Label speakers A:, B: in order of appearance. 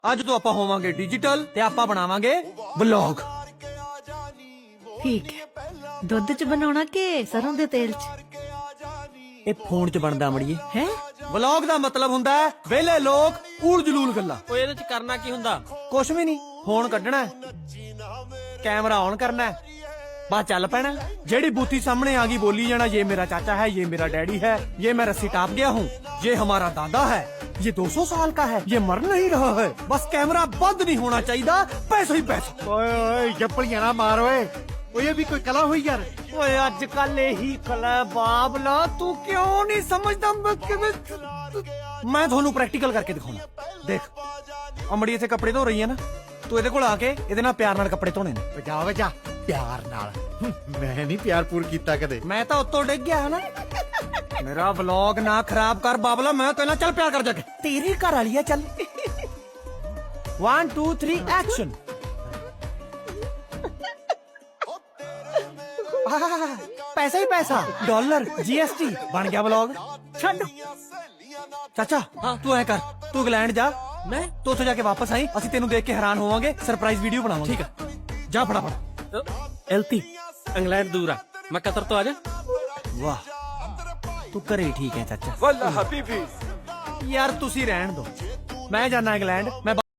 A: ਅੱਜ ਤੋਂ ਆਪਾਂ ਹੋਵਾਂਗੇ ਡਿਜੀਟਲ ਤੇ ਆਪਾਂ ਬਣਾਵਾਂਗੇ ਵਲੌਗ।
B: ठीक है दुध च बनाना के सरों दे तेल च
A: ਇਹ ਫੋਨ 'ਚ ਬਣਦਾ ਮੜੀਏ।
B: है
A: ਵਲੌਗ ਦਾ ਮਤਲਬ ਹੁੰਦਾ ਹੈ ਵਿਹਲੇ ਲੋਕ ਊਲ ਜਲੂਲ ਗੱਲਾਂ।
C: ਓਏ ਇਹਦੇ ਚ ਕਰਨਾ ਕੀ ਹੁੰਦਾ?
A: ਕੁਛ ਵੀ ਨਹੀਂ, ਫੋਨ ਕੱਢਣਾ ਹੈ, ਕੈਮਰਾ ਔਨ ਕਰਨਾ है, बस चल पैना। जेड़ी बूथी सामने आ गई बोली जाना, ये मेरा चाचा है, ये मेरा डैडी है, ये मैं रस्सी टाप गया हूँ, ये हमारा दादा है, ये 200 साल का है, ये मर नहीं रहा है। बस कैमरा बंद नहीं होना चाहिए, पैसा ही पैसा।
D: ओए ओए जप्पलियां ना मार ओए, ये भी कोई कला हुई यार।
A: ओए आजकल यही कला बाबला, तू क्यों नहीं समझदा? मैं थोनू प्रैक्टिकल करके दिखाऊंगा। देख अमड़ी इथे कपड़े धो रही है ना, तू ਇਹਦੇ ਕੋਲ ਆ ਕੇ ਇਹਦੇ ਨਾਲ ਪਿਆਰ ਨਾਲ ਕੱਪੜੇ ਧੋਣੇ ਨੇ।
D: वजा वजा प्यार नाल मैं नहीं प्यार पूर कीता कदे।
A: मैं तो उत्तों डिग गया है ना। मेरा व्लॉग ना खराब कर बाबला, मैं तो ना चल प्यार कर जाके तेरी घर वाली है। चल 1 2 3 एक्शन। पैसा ही पैसा, डॉलर जीएसटी बन गया व्लॉग। छੱਡ चाचा। हाँ तू ऐ कर, तू इंग्लैंड जा,
C: मैं
A: तू ਉੱਥੇ ਜਾ ਕੇ ਵਾਪਸ ਆਈ, ਅਸੀਂ ਤੈਨੂੰ ਦੇਖ ਕੇ ਹੈਰਾਨ ਹੋਵਾਂਗੇ, ਸਰਪ੍ਰਾਈਜ਼ ਵੀਡੀਓ ਬਣਾਵਾਂਗੇ।
C: ठीक है
A: ਜਾ फटाफट।
C: एलती इंग्लैंड दूर है, मैं कतर तो आजा।
A: वाह तू घरे ही ठीक है चाचा।
E: वल्ला हबीबी
A: यार तुसी रहन दो, मैं जाना इंग्लैंड। मैं